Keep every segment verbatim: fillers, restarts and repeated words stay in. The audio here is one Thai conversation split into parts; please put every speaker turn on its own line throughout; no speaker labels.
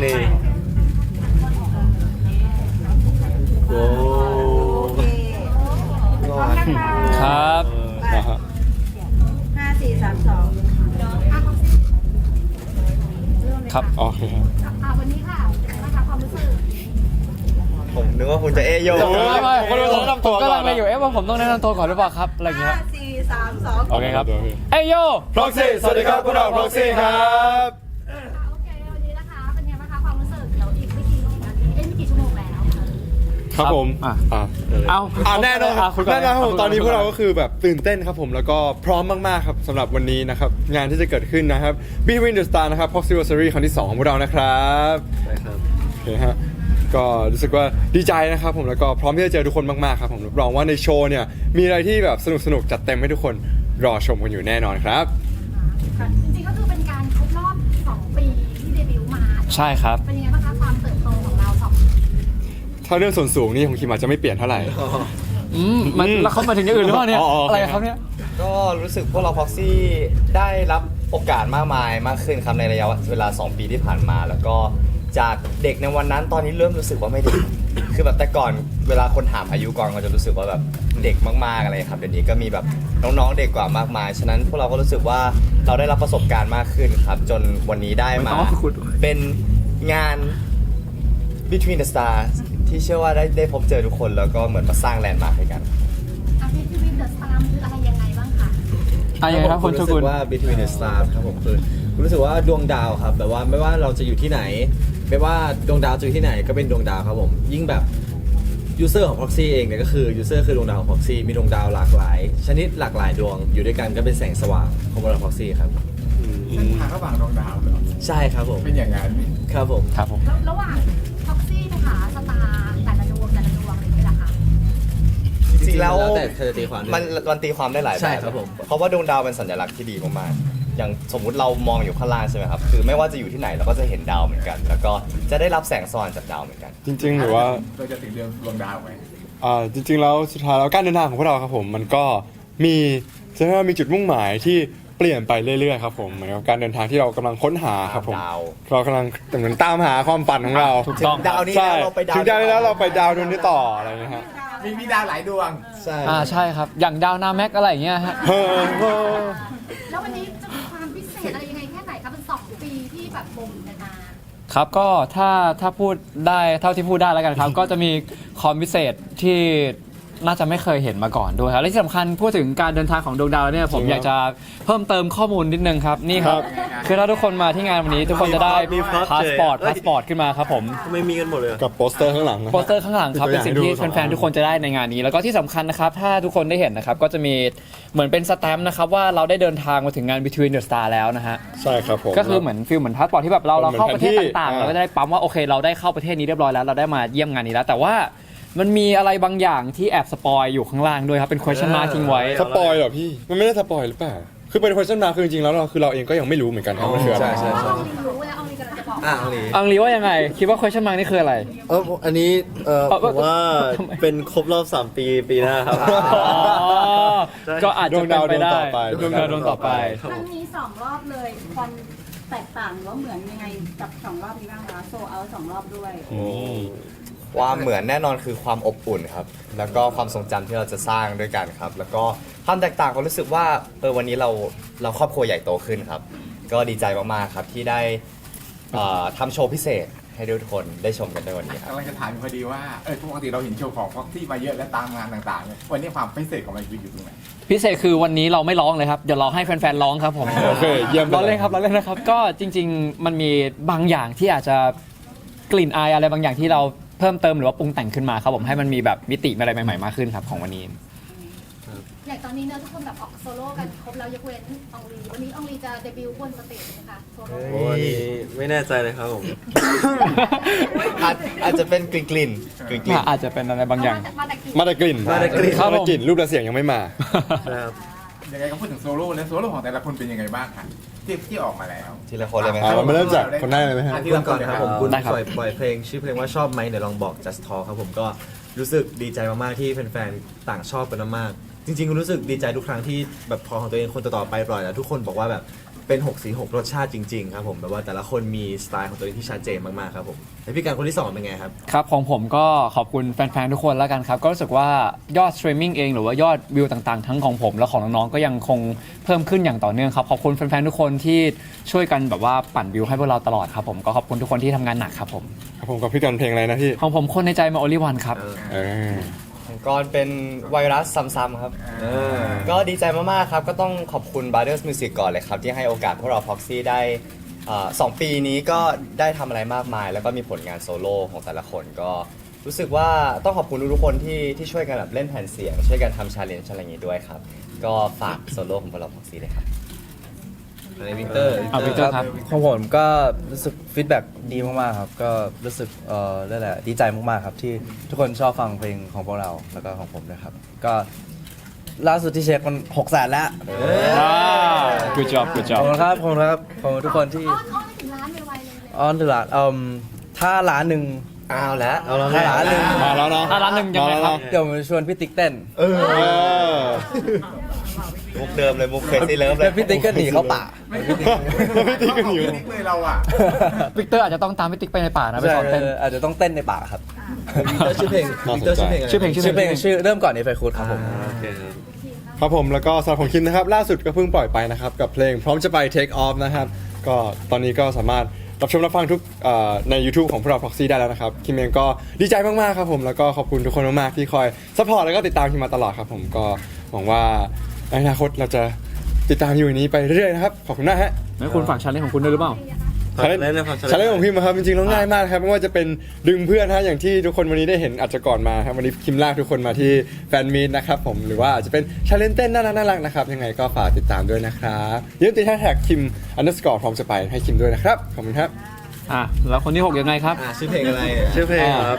เลยโอ้
โอเคพร้อมนะคะ
ครับ
ห้าสี่สามสอง
ครับโอเคครับ
อ่าวันนี้ค่ะนะคะความรู้สึก
ผมนึกว่าคุณจะเอโย
ไม่ไม่ผมก็รู้แนะนำตัวก็ลังเลอยู่เอ๊ะว่าผมต้องแนะนำตัวก่อนหรือเปล่าครับอะไรอย่างเงี้
ห้าย สี่สามสอง
โอเคครับเอ้ยโย
Proxy สวัสดีครับพวกเรา Proxy ครับ
อ่าโอเควันนี้นะคะเป็นไงบ้างคะความรู้สึกเดี๋ยวอีกไม่กี่นาทีเอ้ยไม่กี่ชั่วโมงแล้ว
ครับผม
อ่ะ
อ่ะ
เอา
อ่ะแน่นอน
อ่ะคุณก่
แน่นอนครับผม
คุณก่
ตอนนี้พวกเราก็คือแบบตื่นเต้นครับผมแล้วก็พร้อมมากๆครับสำหรับวันนี้นะครับงานที่จะเกิดขึ้นนะครับ Between the Star นะครับ Proxy Anniversary ครั้งที่สองของพวกเรานะครับ
ใช่ครับ
โอเคฮะก็รู้สึกว่าดีใจนะครับผมแล้วก็พร้อมที่จะเจอทุกคนมากๆครับผมรับรองว่าในโชว์เนี่ยมีอะไรที่แบบสนุกๆจัดเต็มให้ทุกคนรอชมกันอยู่แน่นอนครับ
ค่ะจริงๆก็คือเป็นการครบรอบสองปีที่เดบิวต์มา
ใช่ครับ
เป็นยังไงบ้างคะความเติบโตของเราสองปี
ถ้าเรื่องส่วนสูงนี่ของคิมอาจจะไม่เปลี่ยนเท่าไหร่
อืมมันแล้วเขามาถึงอย่างอื่นหรือเปล่าเนี่ย
อ๋ออ๋อโอเค
อะไรครับเนี่ย
ก็รู้สึกพวกเรา Proxy ได้รับโอกาสมากมายมากขึ้นครับในระยะเวลาสองปีที่ผ่านมา แล้วก็จากเด็กในวันนั้นตอนนี้เริ่มรู้สึกว่าไม่เด็ก คือแบบแต่ก่อนเวลาคนถามอายุก่อนก็จะรู้สึกว่าแบบเด็กมากๆอะไรครับเดี๋ยวนี้ก็มีแบบน้องๆเด็กกว่ามากมายฉะนั้นพวกเราก็รู้สึกว่าเราได้รับประสบการณ์มากขึ้นครับจนวันนี้ได้มาเป็นงาน Between the Stars ที่เชื่อว่าได้ได้พบเจอทุกคนแล้วก็เหมือนมาสร้างแลนด์มาร์คให้กัน
อาทิตย์ที่วินเดอะสตาร์คืออะไรยังไงบ้างคะ
อะไรยังไงครับคุณโชกุน
รู้สึกว่า Between the Stars ครับผมคือรู้สึกว่าดวงดาวครับแบบว่าไม่ว่าเราจะอยู่ที่ไหน ไม่ว่าดวงดาวจะอยู่ที่ไหนก็เป็นดวงดาวครับผมยิ่งแบบยูเซอร์ของ Proxy เองเนี่ยก็คือยูเซอร์คือดวงดาวของ Proxy มีดวงดาวหลากหลาย ชนิดหลากหลายดวงอยู่ด้วยกันก็เป็นแสงสว่างของบริษัท Proxy ครับ
เส้นทางระหว่างดวงดาวเหรอ
ใช่ครับผม
เป็นอย่างนั้น
ครับผม
ครับผม
แล้วระหว่างท็อกซี่ไปหาสตาร์แต่ละดวงแต่ละดวงอะไรอย่างเงี้ยเหรอคะ
จริงๆแล้ว
แต่เธอจะตีความด้วย
มันมันตีความได้หลายแบบ
ใช่ครับผม
เพราะว่าดวงดาวเป็นสัญลักษณ์ที่ดีมากๆอย่างสมมุติเรามองอยู่ข้างล่างใช่ไหมครับคือไม่ว่าจะอยู่ที่ไหนเราก็จะเห็นดาวเหมือนกัน แล้วก็จะได้รับแสงสว่างจากดาวเหมือนกัน
จริงๆหรือว่า
เราจะถึงเดือนดวงดาวไหม
อ่าจริงๆแล้วสุดท้ายแล้วการเดินทางของพวกเราครับผมมันก็มีจะเรียกว่ามีจุดมุ่งหมายที่เปลี่ยนไปเรื่อยๆครับผมเหมือนกับการเดินทางที่เรากำลังค้นหาครับผม
ดาว
เรากำลังเหมือนตามหาความฝันของเรา
ถูกต้อง
ดาวนี้
ใช่
แล้วเราไปดาว
ถึงดาวนี้แล้วเราไปดาวดวงนี้ต่ออะไรอย่างเงี้ยฮะ
มีมีดาวหลายดวง
ใช่
อ่าใช่ครับอย่างดาวนาแม็กอะไรอย่างเงี้ยฮะ
เฮ้อเฮ้อ
แล้ววันนี้จะมีความพิเศษอะไรยังไงแค่ไหนคะเป็นสองปีที่แบบบ่มกันมา
ครับก็ถ้าถ้าพูดได้เท่าที่พูดได้แล้วกันครับ ก็จะมีคอมพิเศษที่น่าจะไม่เคยเห็นมาก่อนด้วยครับและที่สำคัญพูดถึงการเดินทางของดวงดาวเนี่ยผมอยากจะเพิ่มเติมข้อมูลนิดนึงครับนี่ครับคือถ้าทุกคนมาที่งานวันนี้ ทุกคนจะได้
มีพร็อพ
พาสปอร์ต
เอ้ย
พาสปอร์ตขึ้นมาครับผม
ทำไมมีกันหมดเลยอะ
กับโปสเตอร์ข้างหลังนะ
โปสเตอร์ข้างหลังครับเป็นสิ่งที่แฟนๆทุกคนจะได้ในงานนี้ แล้วก็ที่สำคัญนะครับถ้าทุกคนได้เห็นนะครับก็จะมีเหมือนเป็นสแตมป์นะครับว่าเราได้เดินทางมาถึงงาน Between the Star แล้วนะฮะ
ใช่ครับผม
ก็คือเหมือนฟิลเหมือนพาสปอร์ตที่แบบเราเราเข้าประเทศต่างๆ
เหมือนแผนที่
เราก็จะได้ปั๊มว่าโอเคเราได้เข้าประเทศนี้เรียบร้อยแล้วเราได้มาเยี่ยมงานนี้แล้ว แต่ว่ามันมีอะไรบางอย่างที่แอบสปอยอยู่ข้างล่างด้วยครับเป็น question mark ทิ้งไว้
สปอยเหรอพี่มันไม่ได้สปอยหรือเปล่าคือเป็น question mark คือจริงๆแล้วเราคือเราเองก็ยังไม่รู้เหมือนกันครับมันคืออะไร
ใช่ใช่
เพราะ
ใช่
ว่าองลีรู้แล้วองลีกำลังจะบอก
อ่ะเอาเลย
อังลีว่ายังไง คิดว่า question mark นี่คืออะไร
เอออันนี้เออ
เอ่อ
ผมว่า
ทำไม
เป็นครบรอบสามปีปีหน้าครับ
อ๋อก็อาจจะเป็นไปได้
ดวงดาวดวงต่อไป
ดวงดาวดวงต่อไป
ครั้งนี้สองรอบเลยความแตกต่างหรือว่าเหมือนยังไงกับสองรอบนี้บ้างคะโซเอาสองรอบด้วย
ความเหมือนแน่นอนคือความอบอุ่นครับ แล้วก็ความทรงจำที่เราจะสร้างด้วยกันครับ แล้วก็ความแตกต่างก็รู้สึกว่าเออวันนี้เราเราครอบครัวใหญ่โตขึ้นครับ ก็ดีใจมากๆครับที่ได้เอ่อทำโชว์พิเศษให้ทุกคนได้ชมกันในวันนี้ครับ
กำลังจะถามอยู่พอดีว่า เออปกติเราเห็นโชว์ของพ็อกซี่มาเยอะและตามงานต่างๆเนี่ยวันนี้ความพิเศษของมันคืออยู่ตรงไหน
พิเศษคือวันนี้เราไม่ร้องเลยครับเดี๋ยวเราให้แฟนๆร้องครับผม
โอเคเยี่ยมไป
เรา
เลย
เล่นครับเราเล่นนะครับก็จริง ๆ มันมีบางอย่างที่อาจจะกลิ่นอายอะไรบางอย่างที่เราเพิ่มเติมหรือว่าปรุงแต่งขึ้นมาครับผมให้มันมีแบบมิติอะไรใหม่ๆมากขึ้นครับของวันนี้
อย่างตอนนี้เนอะทุกคนแบบออกโซโล่กันครบแล้วยกเว้นองลีวันนี้องลีจะเดบิวต์บนสเตจไหมคะโซโล่
โอ้อันนี้ไม่แน่ใจเลยครับผม อาจอาจจะเป็นกลิ่นกลิ่นกลิ่นกลิ่น
อาจจะเป็นอะไรบางอย่าง
มาแต่กี่
มาแต่กลิ่น
มาแต่กลิ่น
มาแต่กลิ่นรูปและเสียงยังไม่มา
นะครับ
ยังไงก็พูดถึงโซโล่แล้วโซโล่ของแต่ละคนเป็นยังไงบ้างคะที่ที่ออกมาแล้ว
ทีละคนเลยไหมค
อ่า
รับ
เรามาเริ่มจากคนแรกเลยไหมฮะ
อ่ะ
คุณก่อนครับผมคุณ
ได้ครับ
ปล่อยปล่อยเพลงชื่อเพลงว่าชอบไหมเดี๋ยวลองบอก just talk ครับผมก็รู้สึกดีใจมากๆที่แฟนๆต่างชอบกันมากๆจริงๆรู้สึกดีใจทุกครั้งที่แบบพอของตัวเองคนต่อๆไปปล่อยแล้วทุกคนบอกว่าแบบเป็นหกสีหกรสชาติจริงๆครับผมแบบว่าแต่ละคนมีสไตล์ของตัวเองที่ชัดเจนมากๆครับผมแล้วพี่การคนที่สองเป็นไงครับ
ครับของผมก็ขอบคุณแฟนๆทุกคนแล้วกันครับก็รู้สึกว่ายอดสตรีมมิ่งเองหรือว่ายอดวิวต่างๆทั้งของผมและของน้องๆก็ยังคงเพิ่มขึ้นอย่างต่อเนื่องครับขอบคุณแฟนๆทุกคนที่ช่วยกันแบบว่าปั่นวิวให้พวกเราตลอดครับผมก็ขอบคุณทุกคนที่ทำงานหนักครับผม
ครับผมกับพี่กันเพลงอะไรนะพี่
ของผมคนในใจมาโอลิวันครับ
เออ
ของกรเป็นไวรัสซ้ำๆครับ ก็ดีใจมากๆครับ ก็ต้องขอบคุณ Brothers Music ก่อนเลยครับ ที่ให้โอกาสพวกเรา Proxy ได้เอ่อสองปีนี้ก็ได้ทำอะไรมากมาย แล้วก็มีผลงานโซโล่ของแต่ละคนก็รู้สึกว่าต้องขอบคุณทุกๆคนที่ที่ช่วยกันแบบเล่นแผ่นเสียง ช่วยกันทำชาเลนจ์อะไรอย่างนี้ด้วยครับ ก็ฝากโซโล่ของพวกเรา Proxy เลยครับ
ในวิกเตอร์
เอาวิกเตอร์ครับ
ของผมก็รู้สึกฟีดแบ็กดีมากๆครับก็รู้สึกเอ่อนั่นแหละดีใจมากๆครับที่ทุกคนชอบฟังเพลงของพวกเราแล้วก็ของผมนะครับก็ล่าสุดที่เช็คมันหกแสนแล้ว
good job good
ข
job
อบคุณครับขอบคุณครับขอบคุณทุกคนที่
อ้อนอ้อนไปถึงร้านไวๆเลยเลย
ออนถึงล้านเอ่มถ้าล้านหนึ่ง
อ้าวแล้ว
เอาแล้วถ้าล้านหนึ่ง
มาแล้วเนาะ
ถ้าร้านหนึ่งยังไงครับ
เดี๋ยวผมชวนพี่ติ๊กเต้น
เออ
มุกเดิมเลยมุกเคยซีเลิฟเล
แล้
ยว
พี่ติ๊กก็หนีเข้าป่า
ไม่ติ๊กกันอยู่ติ๊กเลยเราอ่ะ
วิกเตอร์อาจจะต้องตามพี่ติ๊กไปในป่านะไปสอนเต้น
ใช่อาจจะต้องเต้นในป่าครับ
วิกเตอร์ชื่อเพลงวิกเตอร์ชื่อเพลงอะไร
ชื่อเพลง
ชื่อเพลงชื่อเริ่มก่อนในไฟคูดครับผม
ครับผมแล้วก็สำหรับของคิมนะครับล่าสุดก็เพิ่งปล่อยไปนะครับกับเพลงพร้อมจะไป Take Off นะครับก็ตอนนี้ก็สามารถรับชมรับฟังทุกเอ่อใน YouTube ของพวกเรา Proxy ได้แล้วนะครับคิมเองก็ดีใจมากๆครับผมแล้วก็ขอบคุณทุกคนมากๆที่คอยซัพพอร์ตแล้วก็ติดตามคิมมาตลอดครับผมก็หวังว่าในอนาคตเราจะติดตามอยู่อย่างนี้ไปเรื่อยๆนะครับขอบคุณมากฮะ
แล้วคุณฝากชาเลนจ์ของคุณด้วยหรือเปล่า
ชาเลนจ์ชาเลนจ์ของพิมพ์ครับจริงๆแล้วง่ายมากครับไม่ว่าจะเป็นดึงเพื่อนฮะอย่างที่ทุกคนวันนี้ได้เห็นอาจจะก่อนมาครับวันนี้คิมลากทุกคนมาที่แฟนมีตนะครับผมหรือว่าอาจจะเป็นชาเลนจ์เต้นน่ารักน่ารักนะครับยังไงก็ฝากติดตามด้วยนะครับอย่าลืมติดแฮชแท็กคิมอันเดอร์สกอร์พร้อมจะไปให้คิมด้วยนะครับขอบคุณครับ
อ่ะแล้วคนที่หกยังไงครับ
อ่าชื่อเพลงอะไรเนี่ย
ชื่อเพลงครับ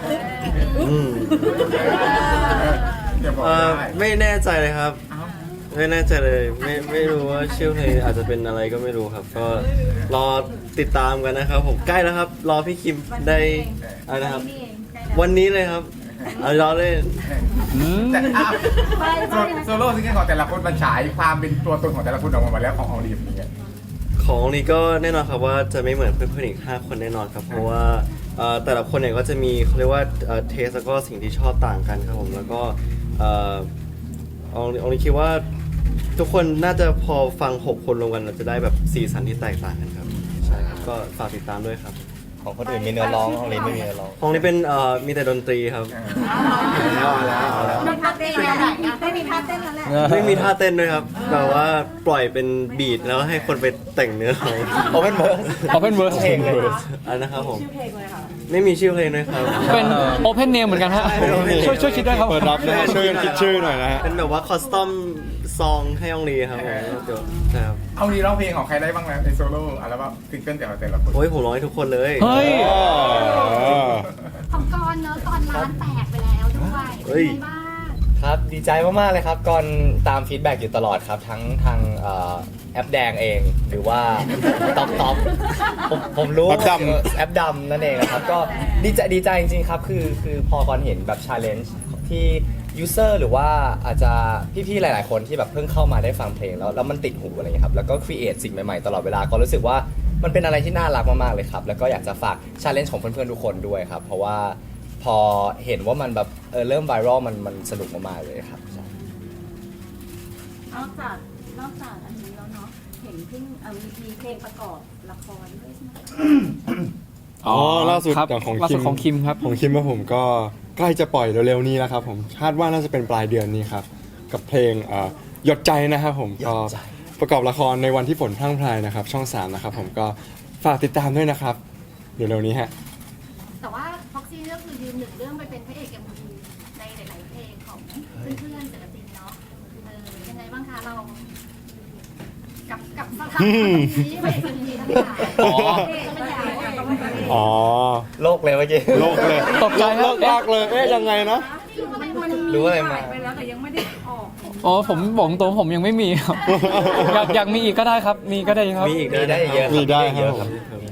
เดี๋ยวบอก
เอ่อ
ได้
ไม่แน่ใจเลยครับ ไม่แน่ใจเลยไม่ไม่รู้ว่าชื่อเพลงอาจจะเป็นอะไรก็ไม่รู้ครับ ก็รอติดตามกันนะครับ ผมใกล้แล้วครับ รอพี่คิมได้อะไรนะครับ วันนี้เลยครับเอารอเล่น
แต่อ้าว
ไปไป
โซโล่ซิงเกิลของแต่ละคนมันฉายความเป็นตัวตนของแต่ละคนออกมาหมดแล้วของของดีมเนี่ย
ของนี้ก็แน่นอนครับว่าจะไม่เหมือนเพื่อนๆอีกห้าคนแน่นอนครับ เพราะว่าเอ่อแต่ละคนเนี่ยก็จะมีเขาเรียกว่าเทสแล้วก็สิ่งที่ชอบต่างกันครับผมแล้วก็เอ่อเอาเอานี้คิดว่าทุกคนน่าจะพอฟังหกคนรวมกันเราจะได้แบบสีสันที่แตกต่างกันครับใช่ครับก็ฝากติดตามด้วยครับ
ของคนอื่นมีเนื้อร้องของลินไม่มีเนื้อร้อง
ของนี้เป็นเอ่อมีแต่ดนตรีครับ
เอาแล้วเอาแล้ว
มีท่าเต้นไหนอ่ะไม่มีท่าเต้นแล้วแหละ
ไม่มีท่าเต้นด้วยครับแบบว่าปล่อยเป็นบีทแล้วให้คนไปแต่งเนื้อเอา
โอเพนเวิร์ส
Open Verse
เพลงเลย
อันนะครับผมไม่มีชื่อเพลงด้วยครับ
เป็น Open Name เหมือนกันฮะช่วยช่วยคิดด้วยครับ
เปิดรับนะฮะช่วยกันคิดชื่อหน่อยนะฮะ
เป็นแบบว่าคอสตอมซองให้องลีครับผมเดี๋ยวใช่ครับ
เอาดีร้องเพลงของใครได้บ้างนะในโซโล่อัลบั้มซิงเกิลแต่ละแต่ละคน
โอ้ยผมร้องให้ทุกคนเลย
เฮ้ย
ของกรเนอะกรร้านแตกไปแล้วด้วยเป็นไงบ้าง
ครับดีใจมากๆเลยครับก่อนตามฟีดแบ็กอยู่ตลอดครับ ทั้งทางเอ่อแอปแดงเองหรือว่าท็อปท็อปผมผมรู้
แอปดำ
แอปดำนั่นเองนะครับก็ดีใจดีใจจริงๆครับคือคือพอก่อนเห็นแบบชาเลนจ์ที่ยูเซอร์หรือว่าอาจจะพี่ๆหลายๆคนที่แบบเพิ่งเข้ามาได้ฟังเพลงแล้วแล้วมันติดหูอะไรเงี้ยครับแล้วก็ครีเอทสิ่งใหม่ๆตลอดเวลาก็รู้สึกว่ามันเป็นอะไรที่น่ารักมากๆเลยครับแล้วก็อยากจะฝากชาเลนจ์ของเพื่อนๆทุกคนด้วยครับเพราะว่าพอเห็นว่ามันแบบเออเริ่มไวรัลมันมันสนุกมากๆเลยครับใช่
นอกจากนอกจากอันนี้แล้วเนาะเห็นเพิ่งเอ่อมีมีเพลงประกอบละครด้วยใช่ไหมคะ
อ๋อล่าสุด
ครับ
อย่างของ
ล่า
คิ
สุด
ม
ของคิมครับ
ของคิมว่าผมก็ใกล้จะปล่อยเร็วๆนี้แล้วครับผมคาดว่าน่าจะเป็นปลายเดือนนี้ครับกับเพลงเอ่อหยดใจนะครับผมก็ประกอบละครในวันที่ฝนพรั่งพรายนะครับช่องสามนะครับผมก็ฝากติดตามด้วยนะครับเร็วๆนี้ฮะ
แต่ว่าพ็อกซี่ก็คือยืนหนึ่งเรื่องไปเป็นพระเอกเอ็มวีในหลาย ๆ เพลงของเพื่อนๆศิลปินเนาะเออยังไงบ้างคะเรา กับกับสถานที่พระเอกเอ็มวีทั้งหลาย
อ๋อ
อ๋อ
โลกเลยเมื่อกี้
โลกเลย
ตกใจค
โล
รับ
กลากเลยเอ๊ะยังไงนะ
รู้อะไรมา
ไปแล้วแต่ยังไม่ได้ออก
อ๋อผมผมตัวผมยังไม่มีครับ อยากอยากมีอีกก็ได้ครับ มีก็ได้ครับ
มีอีก
มีได้เยอะครับ
มีได้
เยอะ
ค
ค
รั
รับ บมีได้เยอะ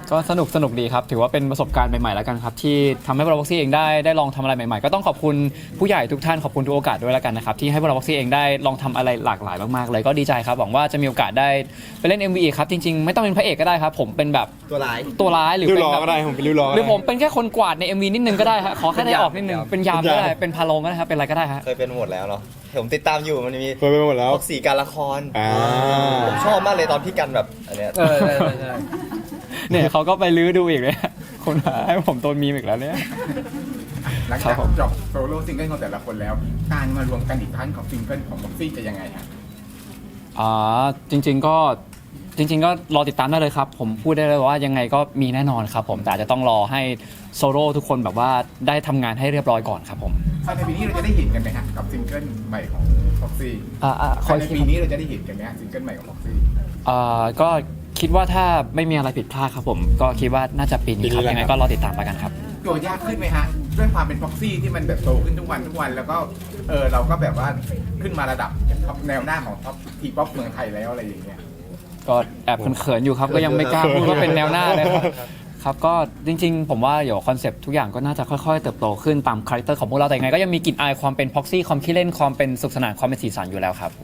ก็สนุกสนุกดีครับถือว่าเป็นประสบการณ์ใหม่ๆแล้วกันครับที่ทำให้พวกเราบ็อกซี่เองได้ได้ลองทำอะไรใหม่ๆก็ต้องขอบคุณผู้ใหญ่ทุกท่านขอบคุณทุกโอกาสด้วยแล้วกันนะครับที่ให้พวกเราบ็อกซี่เองได้ลองทำอะไรหลากหลายมากๆเลยก็ดีใจครับหวังว่าจะมีโอกาสได้ไปเล่น เอ็ม วี อีกครับจริงๆไม่ต้องเป็นพระเอกก็ได้ครับผมเป็นแบบ
ตัวร้าย
ตัวร้ายหรือ
ริ้ว
เป็น
ล้อ
แบบ
ก็ได้ผมเป็นริ้วล้อ
หรือผมเป็นแค่คนกวาดใน เอ็ม วี นิดนึงก็ได้ฮะขอแค่ได้ออกนิดนึงเป็นยามก็ได้
เป็นยาม
เป็นพาโลงก็ได้ครับเป็นอะไรก็ได้ฮะ
เคยเป็นหมดแล้วเนาะผมติดตามอยู่มันมี
เคยไปหมดแล้ว
พวกสีการละคร
อ่า
ผมชอบมากเลยตอนพี่กันแบบอันเนี้ย
เออใช่ใช่ใช่เนี่ยเขาก็ไปลื้อดูอีกเลยคนหาให้ผมโดนมีมอีกแล้วเนี่ย
หลัง
ครั
จาก
บผม
จบโซโล่ซิงเกิลของแต่ละคนแล้ว การมารวมกันอีกครั้งของซิงเกิลของบ็อกซี่จะยังไงฮะ
อ่าจริง ๆก็จริง ๆ ก็รอติดตามได้เลยครับ ผมพูดได้เลยว่ายังไงก็มีแน่นอนครับผมแต่อาจจะต้องรอให้โซโล่ทุกคนแบบว่าได้ทำงานให้เรียบร้อยก่อนครับผม
ภายในปีนี้เราจะได้เห็นกันไหมฮะกับซิงเกิลใหม่ของบ็อกซี่
อ่าอ่าค
ภา
อย
ยใน
คิด
ปีนี้เราจะได้เห็นกันไหมฮะซิงเกิลใหม่ของบ็อกซี่
อ่าก็คิดว่าถ้าไม่มีอะไรผิดพลาดครับผมก็คิดว่าน่าจะปีนี้ครับ
ปีนี้แหละ
ยังไงก็รอติดตามแล้วกันครับ
ตัวยากขึ้นไหมฮะด้วยความเป็นบ็อกซี่ที่มันแบบโตขึ้นทุกวันทุกวันแล้วก็เออเราก็แบบว่าขึ้นมาระดับท็อปแนวหน้าของท็อปทีป๊อปเมืองไทยแล้วอะไรอย่างเงี้ย
ก็แอบเขินๆอยู่ครับก็ยังไม่กล้าพูดว่าเป็นแนวหน้าเลยครับครับก็จริงๆ ผมว่าเดี๋ยวคอนเซปต์ทุกอย่างก็น่าจะค่อยๆ เติบโตขึ้นตามคาแรคเตอร์ของพวกเราแต่ยังไงก็ยังมีกลิ่นอายความเป็นพ็อกซี่ความขี้เล่นความเป็นสุขสนานความเป็นสีสันอยู่แล้วครับผม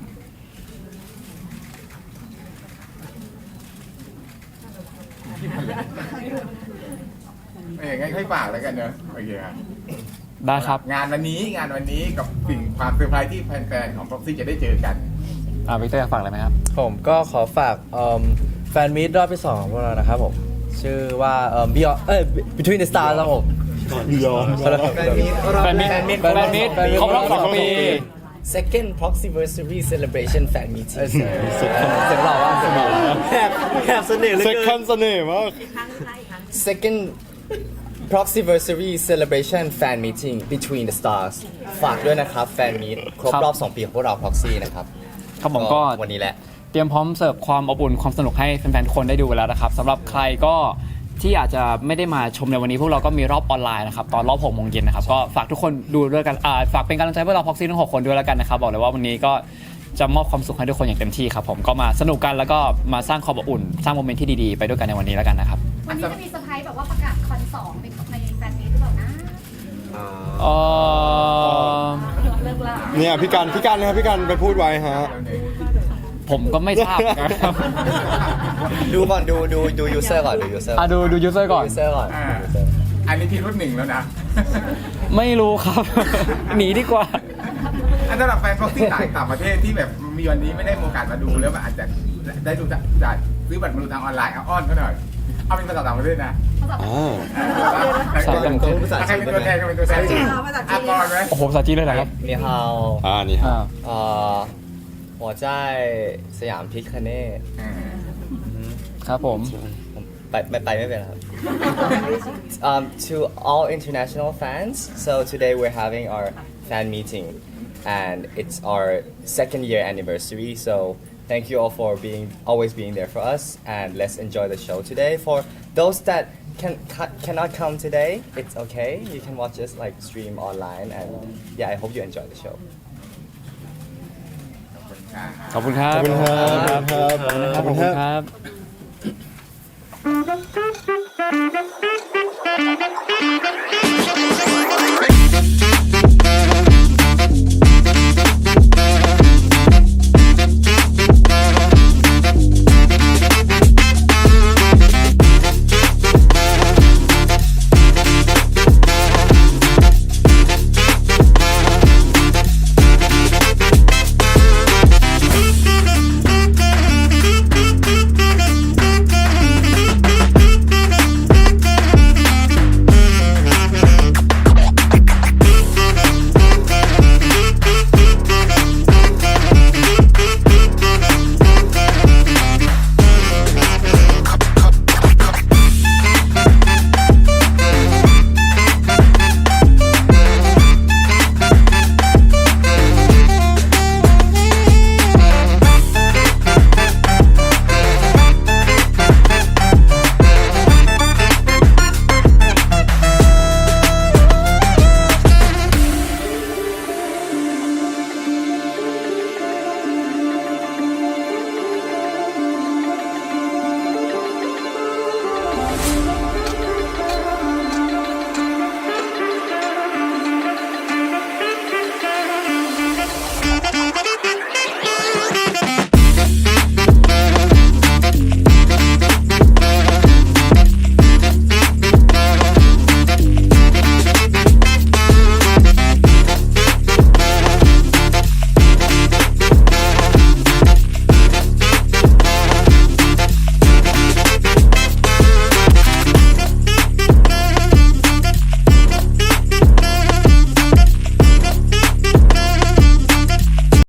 เอองั้นค่อยฝากแล้วกันเนอะโอเคครับ
ได้ครับ
งานวันนี้งานวันนี้กับสิ่งความเซอร์ไพรส์ที่แฟนๆของบ็อกซี่จะได้เจอกัน
อ่าวิกเตอร์อยากฝากอะไรไหมครับ
ผมก็ขอฝากเอิ่มแฟนมีตรอบที่สองของพวกเรานะครับผม ชื่อว่าเอ่อ Beyond เอ้ย Between the Stars ครับผม
ยอม
แฟนมีตรอบ
แฟนมิตร
แฟนมิตร
แฟนมิตรครบรอบสองปี
second proxyversary celebration fan meeting
เสียงเสียงหล่อว่าเสียงหล่อแหบแหบเสน่ห์เหลย
เซ็กคันเสน่ห์มาก
second proxyversary celebration fan meeting between the stars ฝากด้วยนะครับแฟนมีตครบ
ครับ
รอบ สอง ปีของพวกเรา proxy นะครับ
ครับผมก็
วันนี้แหละ
เตรียมพร้อมเสิร์ฟความอบอุ่นความสนุกให้แฟนๆทุกคนได้ดูกันแล้วนะครับสำหรับใครก็ที่อาจจะไม่ได้มาชมในวันนี้พวกเราก็มีรอบออนไลน์นะครับตอนรอบหกโมงเย็นนะครับก็ฝากทุกคนดูด้วยกันอ่าฝากเป็นกำลังใจพวกเราพ็อกซี่ทั้งหกคนด้วยแล้วกันนะครับบอกเลยว่าวันนี้ก็จะมอบความสุขให้ทุกคนอย่างเต็มที่ครับผมก็มาสนุกกันแล้วก็มาสร้างความอบอุ่น สร้างโมเมนต์ที่ดีๆไปด้วยกันในวันนี้แล้วกันนะครับ
วันนี้จะมีเซอร์ไพรส์แบบว่าประกาศคอนสองในในแฟนมีตหรือเปล่านะ
เอ่อ
เลิกละ
เนี่ยพี่กันพี่กันนะครับพี่กันไปพูดไว้ฮะ
ผมก็ไม่ทราบนะครับ
ดูก่อนดูดูดู user ก่อนดู user
อ่ะดูดูยูเซอร์ก่อน
user ก่อน
อ่า
ดู user
อันนี้พี่รุ่นหนึ่งแล้วนะ
ไม่รู้ครับ หนีดีกว่า
อันสำหรับแฟนบ็อกซี่ต่างต่างประเทศที่แบบมีวันนี้ไม่ได้มีโอกาสมาดูแล้วมันอาจจะได้ดูจากจากซื้อบัตรมาดูทางออนไลน์เอาอ้อนเขาหน่อยเอาเป็นภาษาต่างประเทศนะ
อ่า
ภาษาต่างประเทศ
ภาษา
ใคร
จีน
เป็นตัวแทนใครเป็นตัวแทนอ่ะก่อนไหม
โอ้โหภาษาจีนเลยเหรอครับ
你好
อ่านี่ฮะ
อ่า
呃我在สยามพิคเน่
อ่า
ครับผม
ผมไปไปไปไม่เป็นครับ um, to all international fans so today we're having our fan meeting and it's our second year anniversary so thank you all for being always being there for us and let's enjoy the show today for those that can ca- cannot come today it's okay you can watch us like stream online and yeah I hope you enjoy the show
ขอบคุณครับ
ขอบคุณครับ
ขอบคุณครับ
ขอบคุณครับ